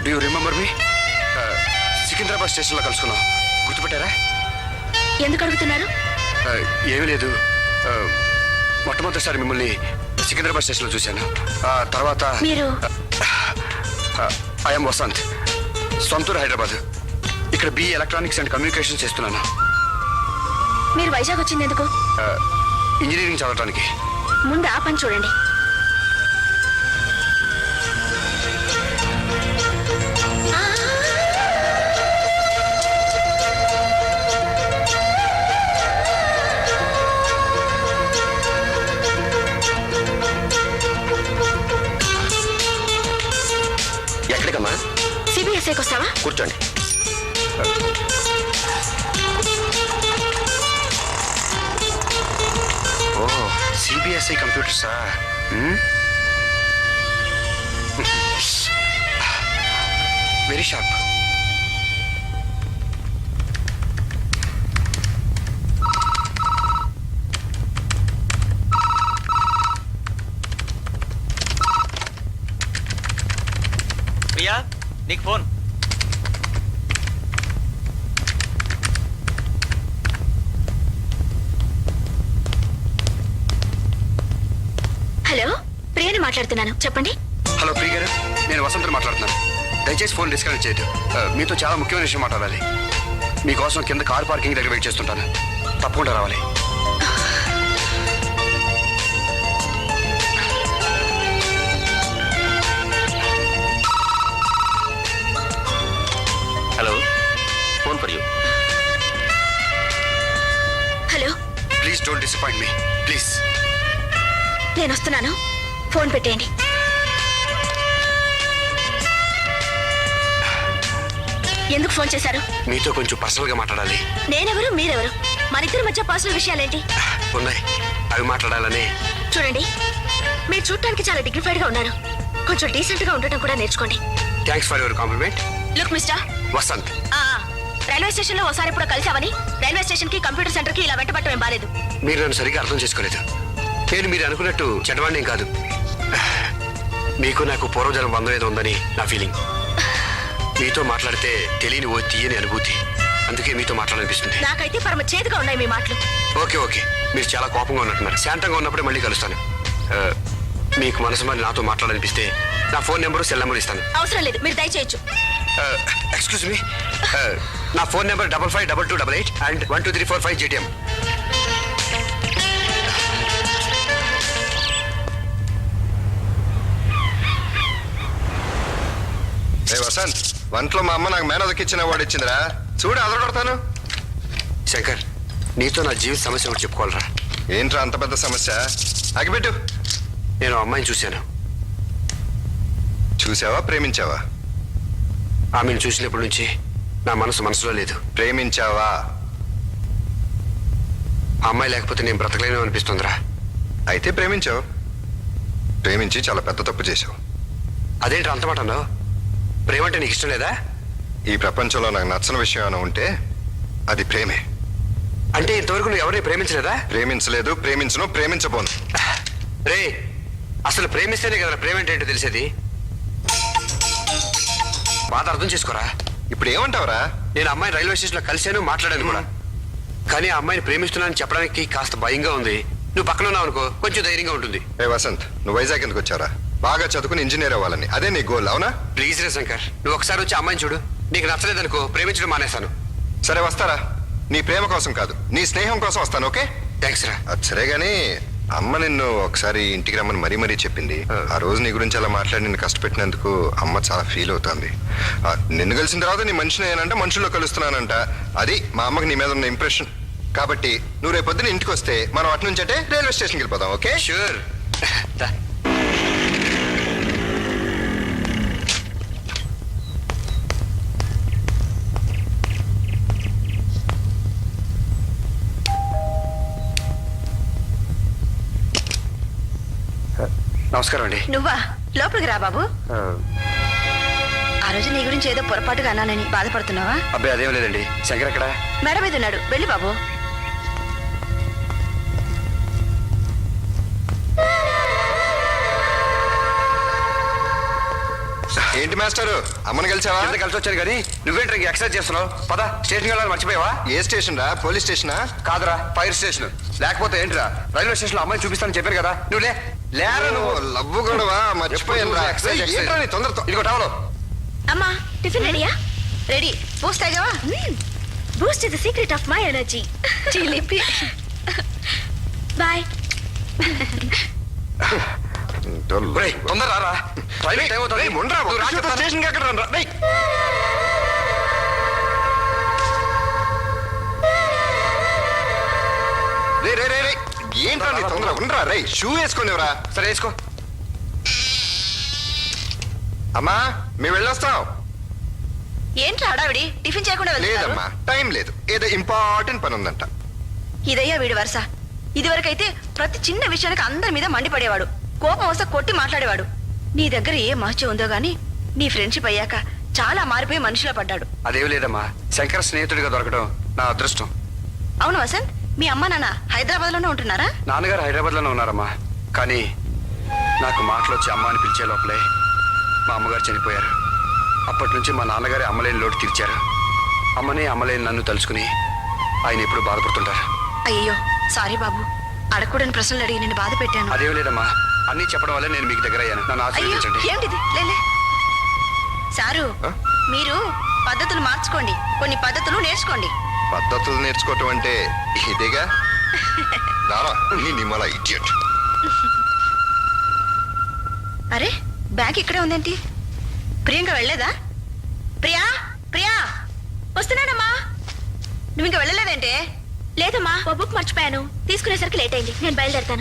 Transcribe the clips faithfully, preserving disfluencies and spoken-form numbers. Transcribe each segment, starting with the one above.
Do you remember me? Secunderabad స్టేషన్లో కలుసుకున్నాం, గుర్తుపెట్టారా? ఎందుకు అడుగుతున్నారు? ఏమీ లేదు, మొట్టమొదటిసారి మిమ్మల్ని సికింద్రాబాద్ స్టేషన్లో చూశాను. తర్వాత మీరు? ఐఎమ్ వసంత్, సొంతూరు హైదరాబాద్. ఇక్కడ బి ఎలక్ట్రానిక్స్ అండ్ కమ్యూనికేషన్ చేస్తున్నాను. మీరు వైజాగ్ వచ్చింది ఎందుకు? ఇంజనీరింగ్ చదవడానికి. ముందు ఆ పని చూడండి. ఎక్కడికమ్మా? సిబిఎస్ఐకి వస్తావా? కూర్చోండి. ఓ, సిబిఎస్ఐ కంప్యూటర్సా? Very sharp. ప్రియా, నీకు ఫోన్. హలో, ప్రియని మాట్లాడుతున్నాను, చెప్పండి. హలో ప్రియ గారు, నేను వసంత్ మాట్లాడుతున్నాను. దయచేసి ఫోన్ డిస్కనెక్ట్ చేయదు. మీతో చాలా ముఖ్యమైన విషయం మాట్లాడాలి. మీకోసం కింద కార్ పార్కింగ్ దగ్గర వెయిట్ చేస్తుంటాను, తప్పకుండా రావాలి. Hello, phone for you. Hello, please don't disappoint me, please. నేను వస్తున్నాను, ఫోన్ పెట్టేయండి. ఎందుకు ఫోన్ చేశారు? మీతో కొంచెం పర్సనల్ గా మాట్లాడాలి. నేనెవరు, మీరెవరు? మనిద్దరి మధ్య పర్సనల్ విషయాలేంటి? ఉన్నాయి, అవి మాట్లాడాలని. చూడండి, మీరు చూడటానికి చాలా డిగ్నిఫైడ్ గా ఉన్నారు. కొంచెం డీసెంట్ గా ఉండటం కూడా నేర్చుకోండి. Thanks for your compliment. Look mister Vasant, railway station లో ఒకసారి ఇప్పుడు కలిసావని రైల్వే స్టేషన్ కి కంప్యూటర్ సెంటర్ కి ఇలా వెంటబట్టం ఏం బాలేదు. మీరు నన్ను సరిగ్గా అర్థం చేసుకోలేదు. నేను మీరు అనుకున్నట్టు చెడ్డవాణ్ణేం కాదు. మీకు నాకు పూర్వజన్మ బంధం ఏదో ఉందని నా ఫీలింగ్. మీతో మాట్లాడితే తెలియని ఓ తీయని అనుభూతి, అందుకే మీతో మాట్లాడాలనిపిస్తుంది. నాకైతే పరమ చేదుగా ఉన్నాయి మీ మాటలు. ఓకే ఓకే, మీరు చాలా కోపంగా ఉన్నట్టున్నారు. శాంతంగా ఉన్నప్పుడే మళ్ళీ కలుస్తాను. మీకు మనసు మరి నాతో మాట్లాడాలనిపిస్తే నా ఫోన్ నెంబరు సెల్ నెంబర్ ఇస్తాను. అవసరం లేదు, మీరు దయచేయచ్చు. ఎక్స్క్యూజ్ మీ, నా phone number double five double two double eight and one two three four five GTM. ఏ వసంత్, వంటలో మా అమ్మ నాకు మేనదకిచ్చిన వాడు ఇచ్చిందిరా, చూడు అదర కొడతాను. శంకర్, నీతో నా జీవిత సమస్య ఒకటి చెప్పుకోవాలరా. ఏంట్రా అంత పెద్ద సమస్య? అగిపెట్టు. నేను అమ్మాయిని చూశాను. చూసావా, ప్రేమించావా? ఆమెను చూసినప్పటి నుంచి నా మనసు మనసులో లేదు. ప్రేమించావా? ఆ అమ్మాయి లేకపోతే నేను బ్రతకలేను అనిపిస్తుందిరా. అయితే ప్రేమించావు. ప్రేమించి చాలా పెద్ద తప్పు చేశావు. అదేంటి అంత మాట అన్నావు? ప్రేమంటే నీకు ఇష్టం లేదా? ఈ ప్రపంచంలో నాకు నచ్చని విషయం ఏమైనా ఉంటే అది ప్రేమే. అంటే ఇంతవరకు నువ్వు ఎవరిని ప్రేమించలేదా? ప్రేమించలేదు, ప్రేమించను, ప్రేమించబోను. రే, అసలు ప్రేమిస్తేనే కదా ప్రేమ ఏంటో తెలిసేది. బాధ అర్థం చేసుకోరా. ఇప్పుడు ఏమంటావురా? నేను అమ్మాయిని రైల్వే స్టేషన్లో కలిశాను, మాట్లాడాను కూడా. కానీ ఆ అమ్మాయిని ప్రేమిస్తున్నానని చెప్పడానికి కాస్త భయంగా ఉంది. నువ్వు పక్కన ఉన్నావు అనుకో, కొంచెం ధైర్యంగా ఉంటుంది. ఏ వసంత్, నువ్వు వైజాగ్ ఎందుకు వచ్చారా? బాగా చదువుకుని ఇంజనీర్ అవ్వాలని, అదే నీ గోల్, అవునా? ప్లీజ్ రే శంకర్, నువ్వు ఒకసారి వచ్చి అమ్మాయిని చూడు. నీకు నచ్చలేదనుకో, ప్రేమించడం మానేస్తాను. సరే వస్తారా? నీ ప్రేమ కోసం కాదు, నీ స్నేహం కోసం వస్తాను. ఓకే, థ్యాంక్స్ రా. అది సరే గానీ అమ్మ నిన్ను ఒకసారి ఇంటికి రమ్మని మరీ మరీ చెప్పింది. ఆ రోజు నీ గురించి అలా మాట్లాడి నిన్ను కష్టపెట్టినందుకు అమ్మ చాలా ఫీల్ అవుతుంది. నిన్ను కలిసిన తర్వాత నీ మనిషిని ఏనంటే మనుషుల్లో కలుస్తున్నానంట. అది మా అమ్మకి నీ మీద ఉన్న ఇంప్రెషన్. కాబట్టి నువ్వు రేపు పొద్దున ఇంటికి వస్తే మనం అటు నుంచి అంటే రైల్వే స్టేషన్కి వెళ్ళిపోదాం. ఓకే? షూర్. నమస్కారం అండి. నువ్వా? లోపలికి రా బాబు. ఆ రోజు నీ గురించి ఏదో పొరపాటుగా అన్నానని బాధపడుతున్నావా? అబ్బాయి అదేం లేదండి. శంకర్ ఎక్కడ? మేడ మీద ఉన్నాడు, వెళ్ళి బాబు. ఏంటి మాస్టారు అమ్మని కలిసావా? ఎంత కలిసి వచ్చాను కానీ నువ్వేంటి ఇంక ఎక్సర్సైజ్ చేస్తున్నావు? పద స్టేషన్కి వెళ్ళాలని మర్చిపోయావా? ఏ స్టేషన్ రా? పోలీస్ స్టేషనా? కాదురా, ఫైర్ స్టేషన్. లేకపోతే ఏంటిరా, రైల్వే స్టేషన్ లో అమ్మాయిని చూపిస్తానని చెప్పారు కదా, నువ్వు లే లేరా నువ్వు. లవ్వు గొడవ మర్చిపోయాను రా. ఎక్సర్సైజ్, ఏయ్, ఎక్సర్సైజ్. ఏంట్రా నీ తొందరతో? ఇదిగో టవలో. అమ్మా టిఫిన్ రెడీయా? రెడీ. బూస్ట్ తాగావా? Boost is the secret of my energy. చిలిపి. బాయ్. ఒరేయ్, తొందర రారా, రైల్వే టైం అవుతుంది. రేయ్, ముండ్రా, నువ్వు రా ఒక్క చెప్తాను. స్టేషన్కి ఎక్కడ రా? రేయ్. రే రే రే రే ఏంట్రా నీ తొందర? ఉండరా రే, షూ వేసుకునేవరా? సరే వేసుకో. అమ్మా మేము వెళ్ళొస్తాం. ఏంట్రా హడావిడి? టిఫిన్ చేయకుండా వెళ్తున్నారు? లేదమ్మా, టైం లేదు, ఏదో ఇంపార్టెంట్ పని ఉందంట. ఇదయ్యా వీడి వరుస. ఇదివరకైతే ప్రతి చిన్న విషయానికి అందరి మీద మండిపడేవాడు, కోపం వస్తే కొట్టి మాట్లాడేవాడు. నీ దగ్గర ఏ మహత్యం ఉందో గానీ నీ ఫ్రెండ్షిప్ అయ్యాక చాలా మారిపోయి మనిషిలో పడ్డాడు. అదేమి లేదమ్మా, శంకర్ స్నేహితుడిగా దొరకడం నా అదృష్టం. అవును వసంత్, మీ అమ్మ నాన్న హైదరాబాద్ లోనే ఉంటున్నారా? నాన్నగారు హైదరాబాద్ లోనే ఉన్నారమ్మా. కానీ నాకు మాటలు వచ్చి అమ్మ అని పిలిచే లోపలే మా అమ్మగారు చనిపోయారు. అప్పటి నుంచి మా నాన్నగారే అమ్మలేని లోటు తీర్చారు. అమ్మనే అమ్మలేని నన్ను తలుచుకుని ఆయన ఎప్పుడు బాధపడుతుంటారు. అయ్యో సారీ బాబు, అడగకూడని ప్రశ్నలు అడిగి నేను బాధ పెట్టాను. అదేం లేదమ్మా, అన్నీ చెప్పడం వల్లే నేను మీకు దగ్గర అయ్యాను. నన్ను అయ్యో ఆశీర్వదించండి. ఏమిటిది? లేలే సారు, ఆ? మీరు పద్ధతులు మార్చుకోండి, కొన్ని పద్ధతులు నేర్చుకోండి. పద్ధతులు నేర్చుకోవటం అంటే ఇదేగా. రారా నీ నిమ్మల ఇడియట్. అరే బ్యాగ్ ఇక్కడే ఉందేంటి? ప్రియాంక వెళ్ళలేదా? ప్రియా ప్రియా వస్తున్నానమ్మా. నువ్వు ఇంకా వెళ్ళలేదంటే? లేదమ్మా, ఓ బుక్ మర్చిపోయాను, తీసుకునేసరికి లేట్ అయింది. నేను బయలుదేరుతాను.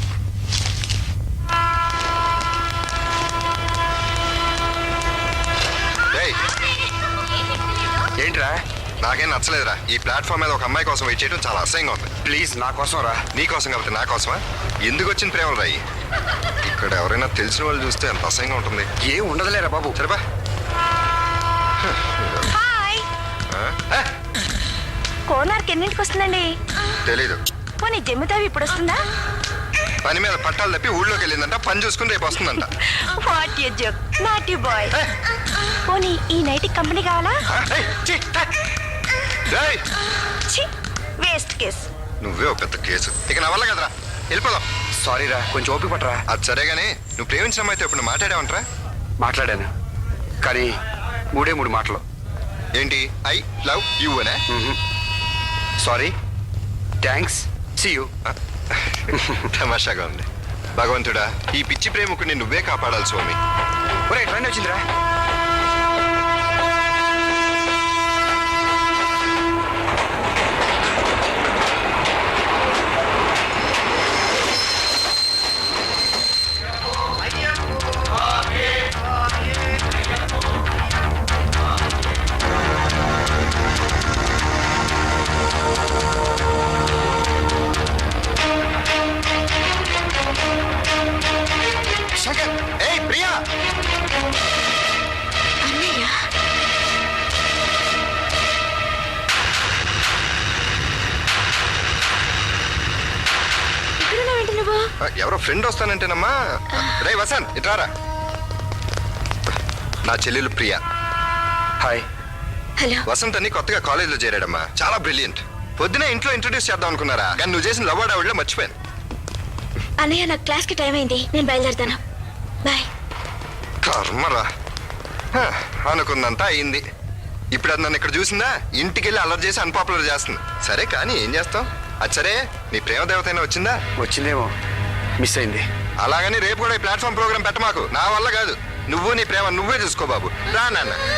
రేయ్, ఏంట్రా? నాకేం నచ్చలేదురా. ఈ ప్లాట్ఫామ్ మీద ఒక అమ్మాయి కోసం వెయిట్ చేయడం చాలా అసహ్యంగా ఉంది. ప్లీజ్ నా కోసం రా. నీ కోసం కాబట్టి నా కోసమా? ఎందుకు వచ్చిన ప్రేమలు రాయి? ఇక్కడ ఎవరైనా తెలిసిన వాళ్ళు చూస్తే ఎంత అసహ్యంగా ఉంటుంది. ఏం ఉండదులేరా బాబు. సరేపా. హాయ్. ఆ? కోనార్క్ ఎన్నింటికి వస్తుందండి? తెలీదు. పోనీ జమ్మితావి ఇప్పుడు వస్తుందా? పని మీద పట్టాలు తప్పి ఊళ్ళోకి వెళ్ళిందంట, పని చూసుకుని రేపు వస్తుందంట. What you joke, not you boy. పోనీ ఈ నైట్ కంపెనీ కావాలా? ఆ, ఏయ్, ఛీ, థా. రేయ్, ఛీ, వేస్ట్ కేస్. నువ్వే ఒక పెద్ద కేసు. ఇక నా వల్ల కదరా, వెళ్ళిపోదాం. సారీ రా, కొంచెం ఓపిక పట్టరా. అది సరే గానీ నువ్వు ప్రేమించిన అమ్మాయితో ఇప్పుడు మాట్లాడావంటరా? మాట్లాడాను, కానీ మూడే మూడు మాటలు. ఏంటి? ఐ లవ్ యూ అనే? Sorry, thanks, see you. తమాషాగా ఉంది. భగవంతుడా, ఈ పిచ్చి ప్రేమకుని నువ్వే కాపాడాలి స్వామి. ఒరే ట్రైన్ వచ్చిందిరా. శంకర్, ఏయ్ ప్రియా. అన్నయ్య, ఇక్కడున్నావేంటి నువ్వు? ఆ, ఎవరో ఫ్రెండ్ వస్తానంటేనమ్మా. రే వసంత్, ఇట్రారా. నా చెల్లెలు ప్రియా. హాయ్. హలో. వసంత్ అని కొత్తగా కాలేజీలో చేరాడమ్మా, చాలా బ్రిలియంట్. పొద్దునే ఇంట్లో ఇంట్రొడ్యూస్ చేద్దాం అనుకున్నారా, కానీ నువ్వు చేసిన లవ్ ఆవిడలో మర్చిపోయాను. అన్నయ్య, నాకు క్లాస్ కి టైం అయింది, నేను బయలుదేరుతాను. బాయ్. కర్మరా. హ, అనుకుందంతా అయింది. ఇప్పుడు అది నన్ను ఇక్కడ చూసిందా, ఇంటికి వెళ్ళి అల్లరి చేసి అన్పాపులర్ చేస్తుంది. సరే కానీ ఏం చేస్తాం. అది సరే, నీ ప్రేమ దేవత అయినా వచ్చిందా? వచ్చిందేమో, మిస్ అయింది. అలాగని రేపు కూడా ఈ ప్లాట్ఫామ్ ప్రోగ్రామ్ పెట్టమాకు, నా వల్ల కాదు. నువ్వు నీ ప్రేమ నువ్వే చూసుకో బాబు. రా నాన్న.